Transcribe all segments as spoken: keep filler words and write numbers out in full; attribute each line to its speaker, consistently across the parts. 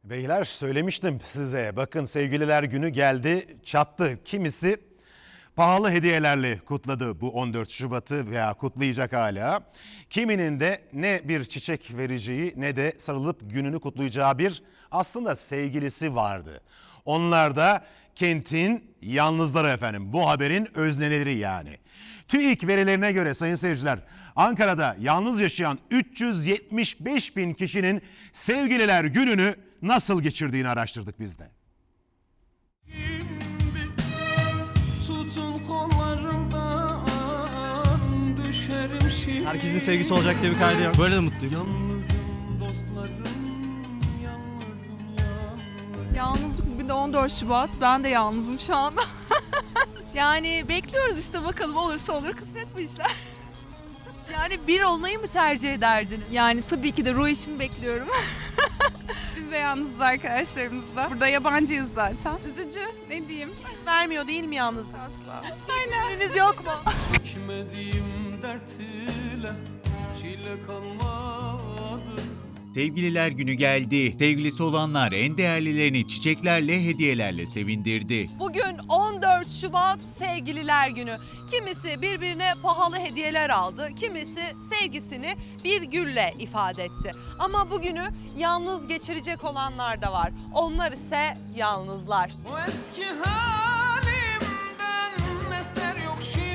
Speaker 1: Beyler söylemiştim size. Bakın sevgililer günü geldi, çattı. Kimisi pahalı hediyelerle kutladı bu on dört Şubat'ı veya kutlayacak hala. Kiminin de ne bir çiçek vereceği ne de sarılıp gününü kutlayacağı bir aslında sevgilisi vardı. Onlar da kentin yalnızları efendim. Bu haberin özneleri yani. TÜİK verilerine göre sayın seyirciler, Ankara'da yalnız yaşayan üç yüz yetmiş beş bin kişinin sevgililer gününü nasıl geçirdiğini araştırdık biz de.
Speaker 2: Herkesin sevgisi olacak diye bir kaydı yok. Böyle de mutluyum.
Speaker 3: Yalnızım dostlarım, yalnızım yalnız.
Speaker 4: Yalnızlık bugün de on dört Şubat. Ben de yalnızım şu anda. Yani bekliyoruz işte, bakalım olursa olur, kısmet bu işler.
Speaker 5: Yani bir olmayı mı tercih ederdiniz?
Speaker 4: Yani tabii ki de ruh işimi bekliyorum.
Speaker 6: Biz de yalnızız arkadaşlarımızla. Burada yabancıyız zaten. Üzücü, ne diyeyim?
Speaker 5: Vermiyor değil mi yalnızlık?
Speaker 6: Asla.
Speaker 5: Biriniz yok mu?
Speaker 3: Çekmediğim dert ile çile kalmadı.
Speaker 7: Sevgililer günü geldi. Sevgilisi olanlar en değerlilerini çiçeklerle, hediyelerle sevindirdi.
Speaker 5: Bugün on dört Şubat Sevgililer Günü. Kimisi birbirine pahalı hediyeler aldı, kimisi sevgisini bir gülle ifade etti. Ama bugünü yalnız geçirecek olanlar da var. Onlar ise yalnızlar.
Speaker 3: O eski halimden eser yok şimdi.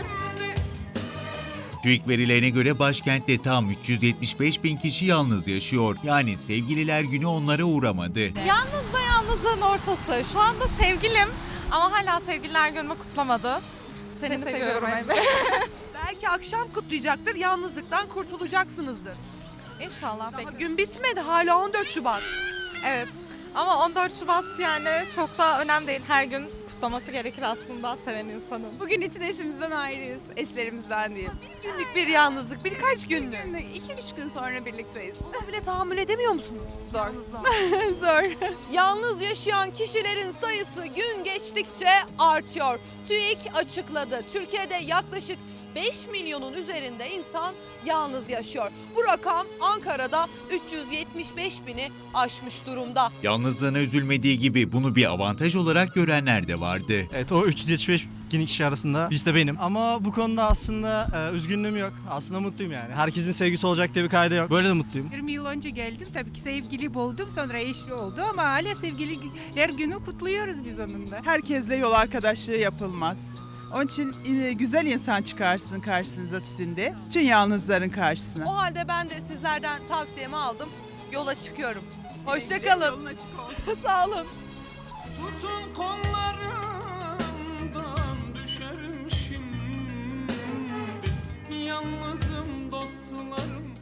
Speaker 7: TÜİK verilerine göre başkentte tam üç yüz yetmiş beş bin kişi yalnız yaşıyor. Yani sevgililer günü onlara uğramadı.
Speaker 8: Yalnız da yalnızlığın ortası. Şu anda sevgilim ama hala sevgililer günümü kutlamadı. Seni, Seni seviyorum Emre.
Speaker 5: Belki akşam kutlayacaktır, yalnızlıktan kurtulacaksınızdır.
Speaker 8: İnşallah.
Speaker 5: Daha
Speaker 8: bekliyorum.
Speaker 5: gün bitmedi, hala on dört Şubat.
Speaker 8: Evet. Ama on dört Şubat yani çok da önemli değil. Her gün kutlaması gerekir aslında seven insanın.
Speaker 6: Bugün için eşimizden ayrıyız, eşlerimizden değil.
Speaker 5: Günlük bir yalnızlık, birkaç günlük.
Speaker 6: Yani iki üç gün sonra birlikteyiz.
Speaker 5: Buna bile tahammül edemiyor musunuz?
Speaker 6: Zor.
Speaker 5: Yalnızlığa.
Speaker 6: Zor.
Speaker 5: Yalnız yaşayan kişilerin sayısı gün geçtikçe artıyor. TÜİK açıkladı. Türkiye'de yaklaşık beş milyonun üzerinde insan yalnız yaşıyor. Bu rakam Ankara'da üç yüz yetmiş beş bini aşmış durumda.
Speaker 7: Yalnızlığına üzülmediği gibi bunu bir avantaj olarak görenler de vardı.
Speaker 2: Evet, o üç yüz yetmiş beş bin kişi arasında biz de benim. Ama bu konuda aslında e, üzgünlüğüm yok. Aslında mutluyum yani. Herkesin sevgisi olacak diye bir kaydı yok. Böyle de mutluyum.
Speaker 9: yirmi yıl önce geldim. Tabii ki sevgili buldum. Sonra eşli oldu ama hala sevgililer günü kutluyoruz biz onunla.
Speaker 10: Herkesle yol arkadaşlığı yapılmaz. Onun için e, güzel insan çıkarsın karşınıza sizin de. Tüm yalnızların karşısına.
Speaker 5: O halde ben de sizlerden tavsiyemi aldım. Yola çıkıyorum. Hoşça kalın.
Speaker 10: Yolun açık olsun.
Speaker 5: Sağ olun.
Speaker 3: Tutun kollarından düşerim şimdi. Yalnızım dostlarım,